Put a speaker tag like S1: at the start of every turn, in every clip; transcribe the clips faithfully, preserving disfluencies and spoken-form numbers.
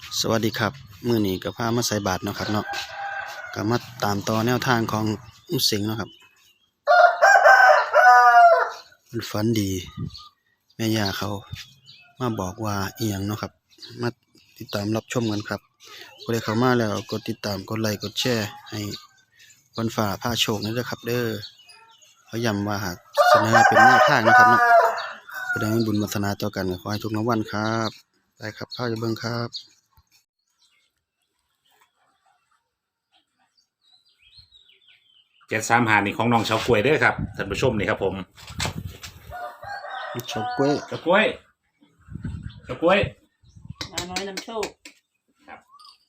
S1: สวัสดีครับมื้อนี้ก็พามาใส่บาตรเนาะครับเนาะก็มาตามต่อแนวทางของลุงเสงเนาะครับมันฝันดีแม่ย่าเขามาบอกว่าอีหยังเนาะครับมาติดตามรับชมกันครับผู้ใดเข้ามาแล้วกดติดตามกดไลค์กดแชร์ให้วันฝ่าพาโชคนี่เด้อครับเด้อเขาย้ำว่าหากเสนอเป็นแนวทางนะครับเนาะผู้ใดมีบุญวาสนาต่อกันก็ขอให้ทุกรางวัลครับได้ครับพาไปเบิ่งครับ
S2: เจ็ดสามหานี่ของน้องเฉากล้วยเด้อครับท่านผู้ชมนี่ครับผม
S1: เฉาก๊วย
S2: เฉากล้วยเฉากล้วย
S3: มาน้อยนำโชค
S2: ครับ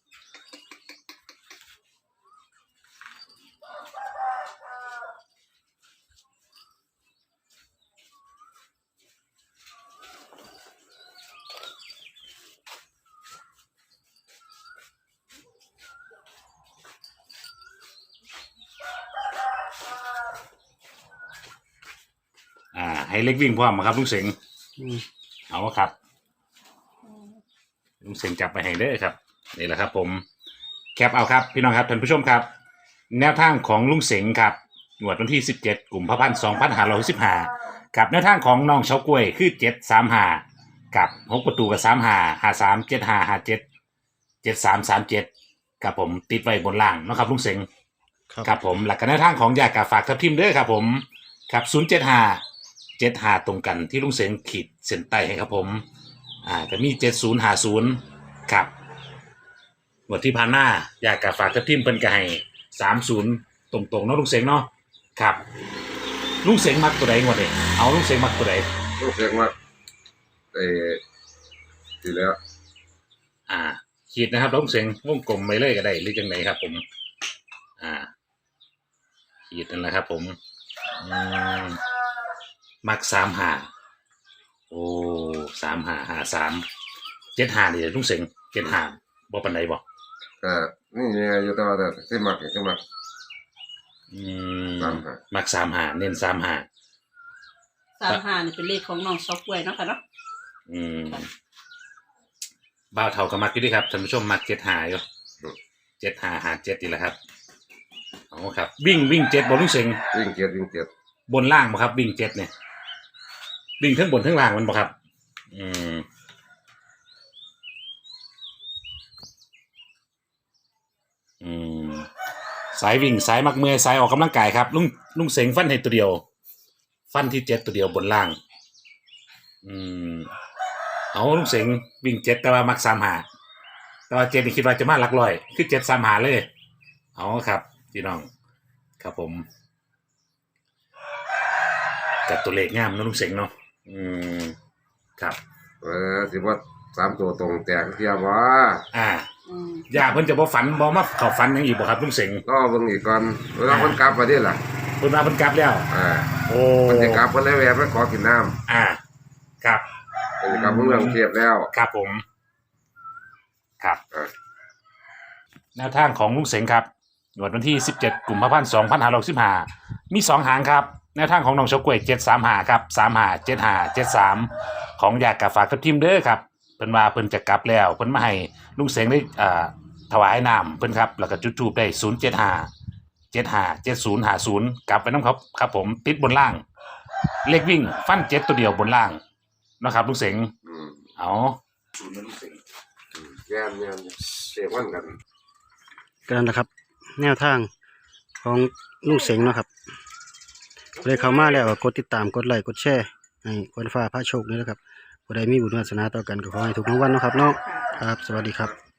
S2: อ่าให้เล็กวิ่งพร้อมครับลุงเสงเอาครับลุงเสงจับไปให้เด้อครับนี่แหละครับผมแคปเอาครับพี่น้องครับท่านผู้ชมครับแนวทางของลุงเสงครับงวดวันที่สิบเจ็ดกุมภาพันธ์สองพันห้าร้อยสิบห้ากับแนวทางของน้องเฉากล้วยคือเจ็ดสามห้ากับหกประตูกับสามห้าห้าสามเจ็ดห้าห้าเจ็ดเจ็ดสามสามเจ็ดครับผมติดไว้บนล่างนะครับลุงเสงครับผมหลักการแนวทางของยากาฝากทับทิมเด้อครับผมครับศูนย์เจ็ดห้าเจ็ดหาตรงกันที่ลุงเสงขีดเส้นใต้ให้ครับผมอ่าก็มีเจ็ดศูนย์หาศูนย์ครับงวดที่ผ่านหน้าอยากกับฝากทับทิมเป็นไก่สามศูนย์ตรงๆเนาะลุงเสงเนาะครับลุงเสงมักตัวใดงวดนี้เอาลุงเสงมักตัวใด
S4: ลุงเสงมักเออทีแล้ว
S2: อ่าขีดนะครับลุงเสงวงกลมไปเลยก็ได้หรือจังไหนครับผมอ่าขีดนั่นแหละครับผมอืมมักสามหาโอ้สามหาหาสามเจ็ดหานี่ลุงเสงเจ็ดหาบ่ปันใดบ่
S4: อ่านี่เนี่ยอยู่ตัวแต่ที่มักที่มัก
S2: อืมมักสามหาเน้นสามหา
S3: สามห้านี่เป็นเลขของน้องเฉากล้วยเนาะค่ะเนาะ
S2: อืมบ่าวเท่ากับมักอยู่ดีครับท่านผู้ชมมักเจ็ดหาอยู่เจ็ดหาหาเจ็ดนี่แหละครับเอาครับวิ่งวิ่งเจ็ดบนลุงเสง
S4: วิ่งเจ็ดวิ่งเจ็ด
S2: บนล่างบ่ครับวิ่งเจ็ดเนี่ยวิ่งทั้งบนทั้งล่างมันบ่ครับอืมอืมสายวิ่งสายมักเมื่อยสายออกกำลังกายครับลุงลุงเสงฟันให้ตัวเดียวฟันที่เจ็ดตัวเดียวบนล่างอืมเอาลุงเสงวิ่งเจ็ดแต่ว่ามักสามหาแต่ว่าเจ็ดนี่คิดว่าจะมาหลักร้อยคือเจ็ดสามหาเลยเอาครับพี่น้องครับผมกับตัวเลขงามนะลุงเสงเนาะอืมครับ
S4: เออสิว่าสามตัวตรงแตกเทียบว่า
S2: อ่าอย่าเพิ่นจะบ่ฝันบ่มาเข้าฝันยังอีกบ่ครับลุงเสง
S4: ก็เบิ่งอีกก่อนเวลาเพิ่นกลับมาดิล่ะ
S2: เพิ่นมาเพิ่นกลับแล้ว
S4: อ่า
S2: โอ้
S4: เพิ่นสิกลับเพิ่นเลยแวะไปขอกินน้ำ
S2: อ่าครับ
S4: เพิ่นกลับเมืองเทียบแล้ว
S2: ครับผมครับแนวทางของลุงเสงครับงวดวันที่สิบเจ็ดกุมภาพันธ์สองพันห้าร้อยสิบห้ามีสองหางครับแนวทางของน้องเฉากล้วยเจ็ดสามห้าครับสามห้าเจ็ดห้าเจ็ดสามของอยากกับฝากทับทิมเด้อครับเพิ่นว่าเพิ่นจะกลับแล้วเพิ่นมาให้ลุงเสงได้อ่าถวายน้ำเพิ่นครับแล้วก็จุดธูปได้ศูนย์เจ็ดห้าเจ็ดห้าเจ็ดศูนย์ห้าศูนย์กลับไปน้ำครับครับผมติดบนล่างเลขวิ่งฟันเจ็ดตัวเดียวบนล่างนะครับลุงเสงเอา
S4: ศูนย์ลุงเสงแย่แย่เสียวันกัน
S1: กันนะครับแนวทางของลุงเสงเนาะครับเลยเข้ามาแล้วกดติดตามกดไลค์กดแชร์ให้คนฟ้าพาโชคนี่แหละครับผู้ใดมีบุญวาสนาต่อกันก็ขอให้ถูกรางวัลนะครับเนาะครับสวัสดีครับ